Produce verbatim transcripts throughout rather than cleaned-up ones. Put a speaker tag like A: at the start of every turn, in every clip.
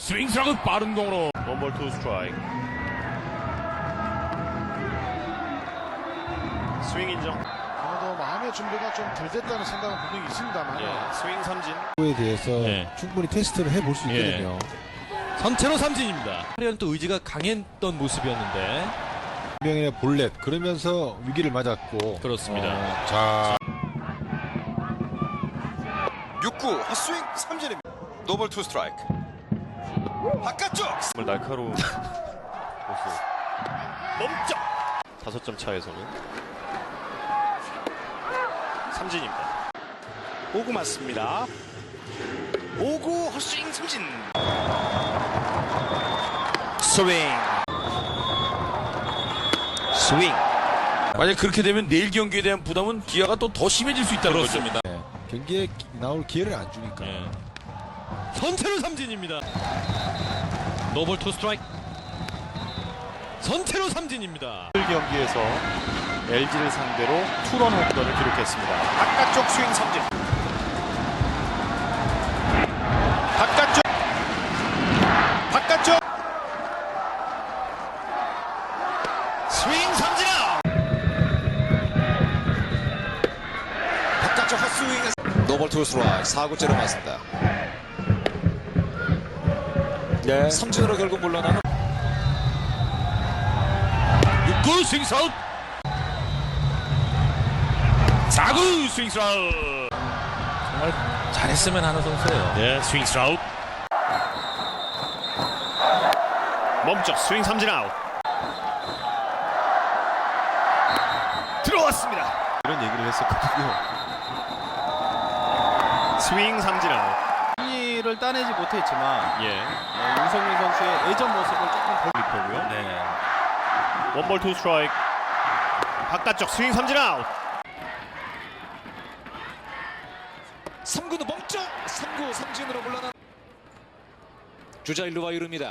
A: 스윙스라고 빠른 공으로
B: 원볼 투 스트라이크. 스윙 인정.
C: 아무래도 마음의 준비가 좀 덜 됐다는 생각은 분명히 있습니다만
B: 예, 스윙 삼진.
D: 에 대해서
A: 네.
D: 충분히 테스트를 해볼 수
A: 예.
D: 있거든요.
A: 선체로 삼진입니다. 화려한 또 의지가 강했던 모습이었는데
D: 분명히 볼넷 그러면서 위기를 맞았고
A: 그렇습니다.
D: 어, 자
E: 육 구 헛스윙 삼진입니다. 노볼 투 스트라이크. 바깥쪽.
B: 정말 날카로운 모습. 멈쩍. 다섯 점 차에서는 삼진입니다.
F: 오 구 맞습니다. 오 구 헛스윙 삼진. 스윙. 스윙.
A: 만약 그렇게 되면 내일 경기에 대한 부담은 기아가 또 더 심해질 수 있다는 거죠.
D: 네. 경기에 기- 나올 기회를 안 주니까.
A: 예. 선체로 삼진입니다. 노볼 투 스트라이크. 선체로 삼진입니다.
B: 오늘 경기에서 엘지를 상대로 투런 홈런을 기록했습니다. 바깥쪽 스윙 삼진. 바깥쪽. 바깥쪽. 스윙 삼진 아웃.
E: 바깥쪽 헛스윙. 노볼 투 스트라이크. 사 구째로 맞습니다.
F: 네.
E: 삼진으로 결국 물러나는
A: 육 구 스윙스 아웃. 사 구 스윙스 아웃. 정말 잘했으면 하는 선수예요.
B: 네, 스윙스 아웃. 멈춰 스윙 삼진 아웃. 들어왔습니다. 이런 얘기를 했었거든요. 스윙 삼진 아웃.
G: 승리를 따내지 못했지만
B: 예.
G: 어, 윤석민 선수의 예전 모습을 조금 볼
B: 리포고요.
A: 네.
B: 원볼 투 스트라이크. 바깥쪽 스윙 삼진 아웃.
E: 삼 구도 멈쩍. 삼 구 삼진으로 물러난 주자 일루와 이릅니다.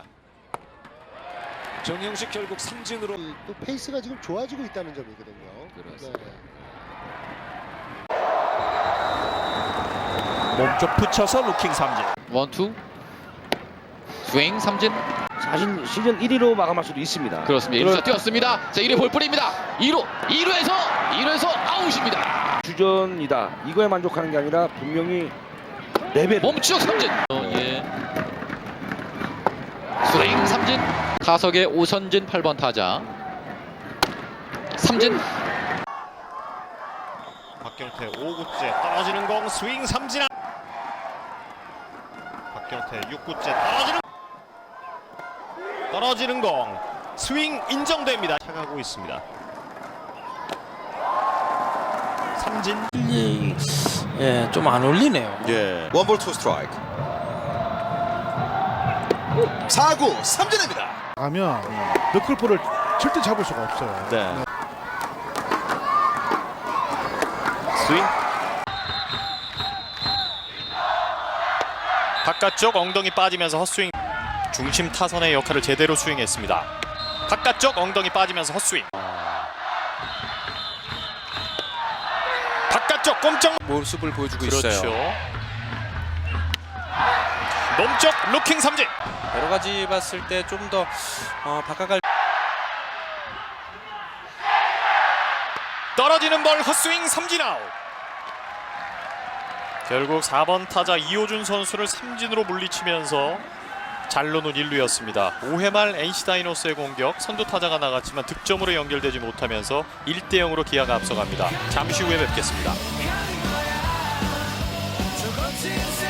E: 정영식 결국 삼진으로.
C: 또 페이스가 지금 좋아지고 있다는 점이거든요.
E: 그렇습니다.
C: 네.
F: 몸쪽 붙여서 루킹 삼진.
H: 원투 스윙 삼진.
I: 자신 시즌 일 위로 마감할 수도 있습니다.
H: 그렇습니다. 일 루자 뛰었습니다. 자 일 루 볼뿐입니다. 이 루 이 루에서 이 루에서 아웃입니다.
I: 주전이다. 이거에 만족하는 게 아니라 분명히 레벨.
H: 멈추 삼진. 어, 예. 스윙 삼진. 타석의 오선진 팔 번 타자. 삼진.
B: 박경태 오 구째 떨어지는 공 스윙 삼진 아웃. 박경태 육 구째 떨어지는 떨어지는 공 스윙 인정됩니다. 차가고 있습니다. 삼진.
G: 예, 좀 안 어울리네요.
E: 예. 원볼 투 스트라이크. 사 구 삼진입니다.
C: 하면 너클볼을 절대 잡을 수가 없어요.
B: 네. 스윙. 바깥쪽 엉덩이 빠지면서 헛스윙. 중심 타선의 역할을 제대로 수행했습니다. 바깥쪽 엉덩이 빠지면서 헛스윙. 바깥쪽 꼼짝
E: 모습을 보여주고
B: 그렇죠.
E: 있어요.
B: 몸쪽 루킹 삼진.
G: 여러 가지 봤을 때 좀 더 어, 바깥갈
B: 떨어지는 볼 헛스윙 삼진 아웃. 결국 사 번 타자 이호준 선수를 삼진으로 물리치면서 잘로는 일 루였습니다. 오 회 말 엔씨 다이노스의 공격, 선두 타자가 나갔지만 득점으로 연결되지 못하면서 일 대 영으로 기아가 앞서갑니다. 잠시 후에 뵙겠습니다.